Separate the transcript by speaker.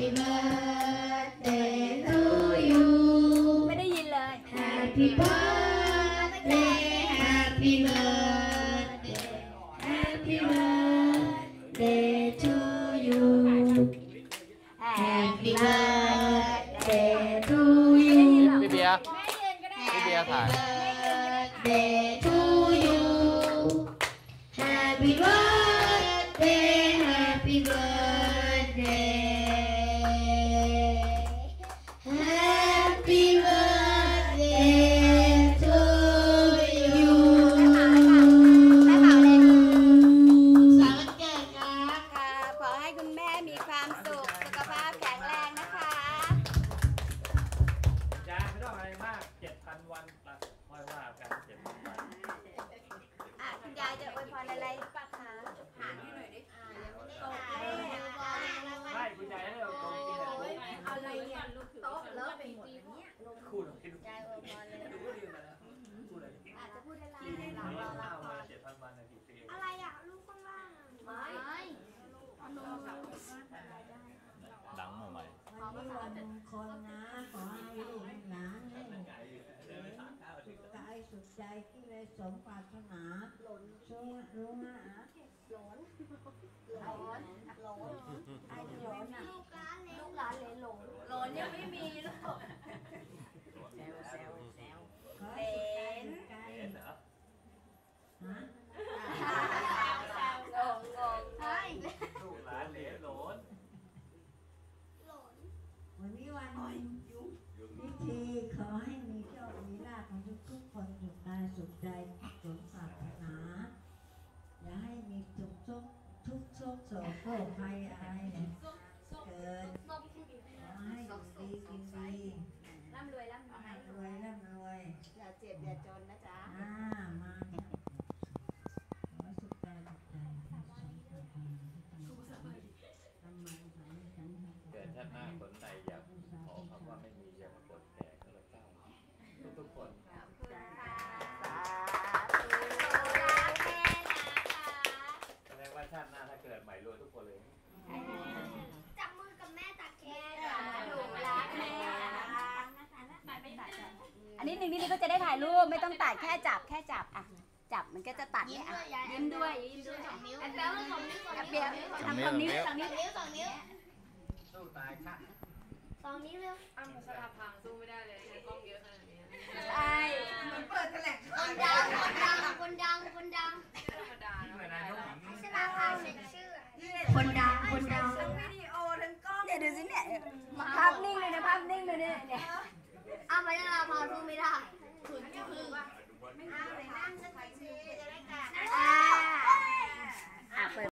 Speaker 1: birthday to you
Speaker 2: ไม่ได้ยินเลย
Speaker 1: Happy birthday Happy birthday Happy birthday to you Happy birthday to you
Speaker 3: พี่เบียร์ถ่าย
Speaker 1: Birthday to you Happy birthday Happy birthday Happy birthday to you
Speaker 2: แม่เป่าเลย
Speaker 1: สาวันเกิดครับ
Speaker 2: ค่ะขอให้คุณแม่มีความสุขสุขภาพแข็งแรงนะคะ
Speaker 4: ยาไม่ต้องอะไรมาก 7,000 วันละค่อยว่ากัน 7,000 วัน
Speaker 2: คุณยายจะอวยพรอะไรปะคะหาที่หน่อยดิ
Speaker 4: ไม่คุณยายให้เราตรงกินอะไร
Speaker 2: อะไรเนี่ยโต๊ะเลอะไปหมดเนี่ย
Speaker 4: คู่หรอคิดดู
Speaker 2: ยายอวยพรเลย
Speaker 4: ดูก็ดีมาแล้วพูดอะไร
Speaker 2: อาจจะพูดอะไร
Speaker 4: ข้าวมา 7,000 วันนะกี่ปี
Speaker 2: อะไรอ่ะลูกข้างล่างไม่
Speaker 3: ดังมาใหม่
Speaker 1: วันนี้วันมงคลนะ ขอให้ลูกหลานให้สุขกายสุขใจที่ได้สมปรารถนาช่วยรู้นะ
Speaker 2: ร้อนไอ้ร้อนอ่ะลูกหลานเลยหลนยังไม่มีลูก
Speaker 1: ขอให้สุขกาย
Speaker 4: เห็นเหรอ
Speaker 1: ฮะ
Speaker 2: งงใช่
Speaker 4: ลูกหลานเหลนโหลน
Speaker 1: วันนี้วันพิธีขอให้มีโชคมีลาภของทุกคนสุขกายสุขใจสมปรารถนาอย่าให้มีทุกโศกโศกภัยอะไรเกิดขอให้อยู่ดีกินดี
Speaker 2: ร่ำรวยร่ำรวย
Speaker 1: รวยร่ำรวย
Speaker 2: อย่าเจ็บอย่าจนนะจ๊ะ
Speaker 1: มาขอสุขกายสุขใจสมปรารถนาทำมันสายสัน
Speaker 4: เกิดชาติหน้าคนใดอยากขอคำว่าไม่มีอย่ามากดแก่ก็แล้วกันทุกคน แสดงว่าชาติหน้าถ้าเกิดใหม่รวยทุกคนเลย
Speaker 2: จับมือกับแม่ตักเค้กหนูรักแม่อันนี้หนึ่งนี่ก็จะได้ถ่ายรูปไม่ต้องตัดแค่จับอ่ะจับมันก็จะตัดเนี่ยอ่ะยิ้มด้วย2 นิ้วแป๊บ2 นิ้วเปียทำ2 นิ้ว2 นิ้ว
Speaker 4: สู้ตายค่ะ
Speaker 2: 2 นิ้วเร็ว
Speaker 5: อ้ำพัชราภาสู้ไม่ได้เลยใช้กล้องเยอะขนาดนี้
Speaker 2: ใช่ คนดัง
Speaker 5: ไม่ธรรมดา
Speaker 4: นี่
Speaker 5: นะ
Speaker 4: เหมือนนายกหญิง
Speaker 2: ชนะพาเซ็นชื่อ
Speaker 1: คนดัง
Speaker 2: เนี่ยดูสิเนี่ยภาพนิ่งเลยนะภาพนิ่งเลยเนี่ย